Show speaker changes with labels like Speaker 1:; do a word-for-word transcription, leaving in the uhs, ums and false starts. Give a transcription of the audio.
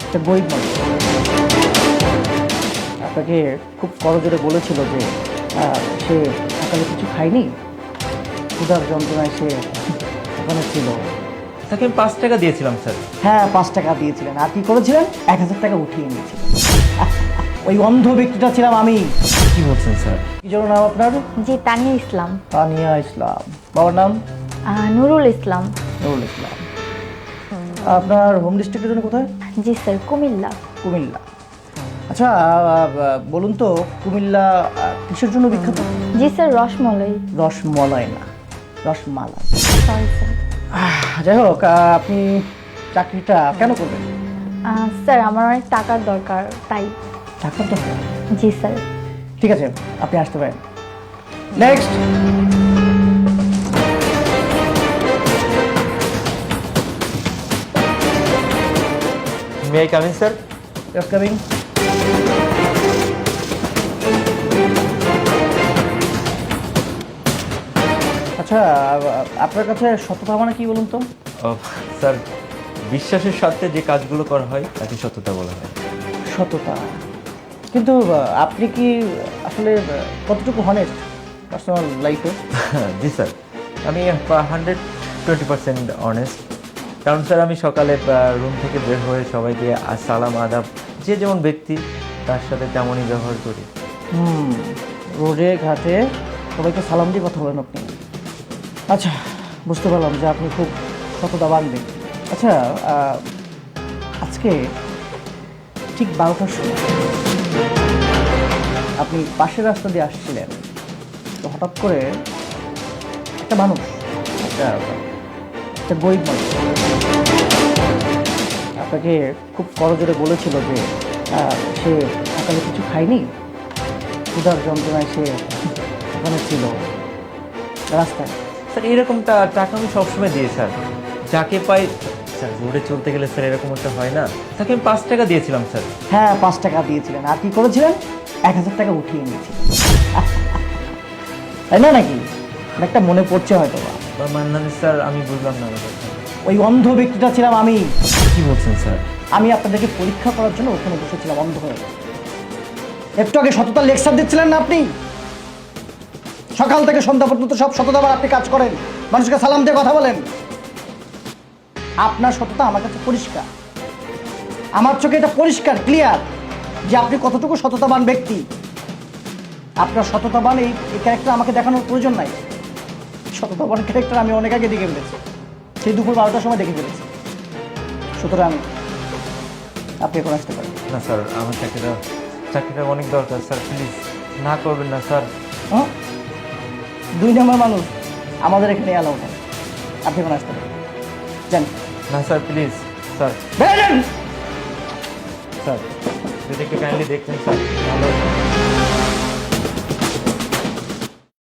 Speaker 1: একটা গরিব মানুষ আপনাকে খুব করজোরে বলেছিল যে আহ, সে সকালে কিছু খায়নি, ক্ষুধার যন্ত্রণায় সে ওখানে ছিল।
Speaker 2: তাকে আমি পাঁচ টাকা দিয়েছিলাম স্যার।
Speaker 1: হ্যাঁ, পাঁচ টাকা দিয়েছিলেন, আর কি করেছিলেন? এক হাজার টাকা উঠিয়ে নিয়েছিলেন। ওই অন্ধ ব্যক্তিটা ছিলাম আমি।
Speaker 2: কি বলছেন স্যার?
Speaker 1: কি যেন নাম আপনার?
Speaker 3: জি, তানিয়া ইসলাম।
Speaker 1: তানিয়া ইসলাম। বাবার নাম?
Speaker 3: আহ, নুরুল ইসলাম।
Speaker 1: নুরুল ইসলাম। আপনার হোম ডিস্ট্রিক্টের জন্য কোথায়?
Speaker 3: জি স্যার, কুমিল্লা।
Speaker 1: কুমিল্লা। আচ্ছা, আহ, বলুন তো কুমিল্লা আহ, কিসের জন্য বিখ্যাত?
Speaker 3: জি স্যার, রসমলাই।
Speaker 1: রসমলাই না, রসমালাই।
Speaker 3: Sorry sir.
Speaker 1: আহ, যাই হোক, আহ, আপনি চাকরিটা কেন করবেন?
Speaker 3: আহ, স্যার আমার অনেক টাকার দরকার, তাই।
Speaker 1: টাকা তো
Speaker 3: জি স্যার।
Speaker 1: ঠিক আছে, আপনি আসতে পারেন। Next.
Speaker 2: May I come in sir?
Speaker 1: Just coming. আচ্ছা, আ- আপনার কাছে সততা মানে কি বলুন তো?
Speaker 2: স্যার, বিশ্বাসের সাথে যে কাজগুলো করা হয় তাকে সততা বলা হয়।
Speaker 1: সততা, কিন্তু আহ, আপনি কি আসলে আহ, কতটুকু হনেস্ট পার্সোনাল লাইফে?
Speaker 2: জি স্যার, আমি হান্ড্রেড টোয়েন্টি পার্সেন্ট অনেস্ট। কারণ স্যার আমি সকালে রুম থেকে বের হয়ে সবাইকে সালাম আদাব, যে যেমন ব্যক্তি তার সাথে তেমনই ব্যবহার করি।
Speaker 1: হুম, রোডে ঘাটে সবাইকে সালাম দিয়ে কথা বলেন আপনি। আচ্ছা, বুঝতে পারলাম যে আপনি খুব সততাবান ব্যক্তি। আচ্ছা, আহ, আজকে ঠিক বারোটার সময় আপনি পাশের রাস্তা দিয়ে আসছিলেন, তো হঠাৎ করে একটা মানুষ, একটা একটা গরিব মানুষ আপনাকে খুব করজোরে বলেছিল যে আহ, সে সকালে কিছু খায়নি, ক্ষুধার যন্ত্রণায় সে ওখানে ছিল রাস্তায়।
Speaker 2: স্যার এরকমটা টাকা আমি সবসময় দিই স্যার, যাকে পাই। স্যার রোডে চলতে গেলে স্যার এরকম একটা হয় না, তাকে আমি পাঁচ টাকা দিয়েছিলাম স্যার।
Speaker 1: হ্যাঁ, পাঁচ টাকা দিয়েছিলেন, আর কি করেছিলেন? এক হাজার টাকা উঠিয়ে নিয়েছিলেন। তাই না নাকি? একটা মনে পড়ছে হয়তো বা।
Speaker 2: মানে স্যার আমি বুঝলাম না ব্যাপারটা।
Speaker 1: ওই অন্ধ ব্যক্তিটা ছিলাম আমি।
Speaker 2: কি বলছেন স্যার?
Speaker 1: আমি আপনাদেরকে পরীক্ষা করার জন্য ওখানে বসেছিলাম অন্ধ হয়ে। একটু আগে সততার লেকচার দিচ্ছিলেন না আপনি? সকাল থেকে সন্ধ্যা পর্যন্ত সব সততাবার আপনি কাজ করেন, মানুষকে সালাম দিয়ে কথা বলেন। আপনার সততা আমার কাছে পরিষ্কার, আমার চোখে এটা পরিষ্কার ক্লিয়ার যে আপনি কতটুকু সততাবান ব্যক্তি। আপনার সততাবান এই এই ক্যারেক্টার আমাকে দেখানোর প্রয়োজন নাই। সততাবান ক্যারেক্টার আমি অনেক আগে দেখে ফেলেছি, সেই দুপুর বারোটার সময় দেখে ফেলেছি। সুতরাং আপনি এখন আসতে পারেন।
Speaker 2: না স্যার, আমার চাকরিটা চাকরিটা অনেক দরকার স্যার, প্লিজ না করবেন না স্যার।
Speaker 1: হ্যাঁ, দুই নম্বর মানুষ আমাদের এখানে অ্যালাউ নেই। আপনি এখন আসতে পারেন, জান।
Speaker 2: না স্যার প্লিজ স্যার।
Speaker 1: বেরোন।
Speaker 2: স্যার যদি একটু কাইন্ডলি দেখতেন স্যার, ভালো হতো।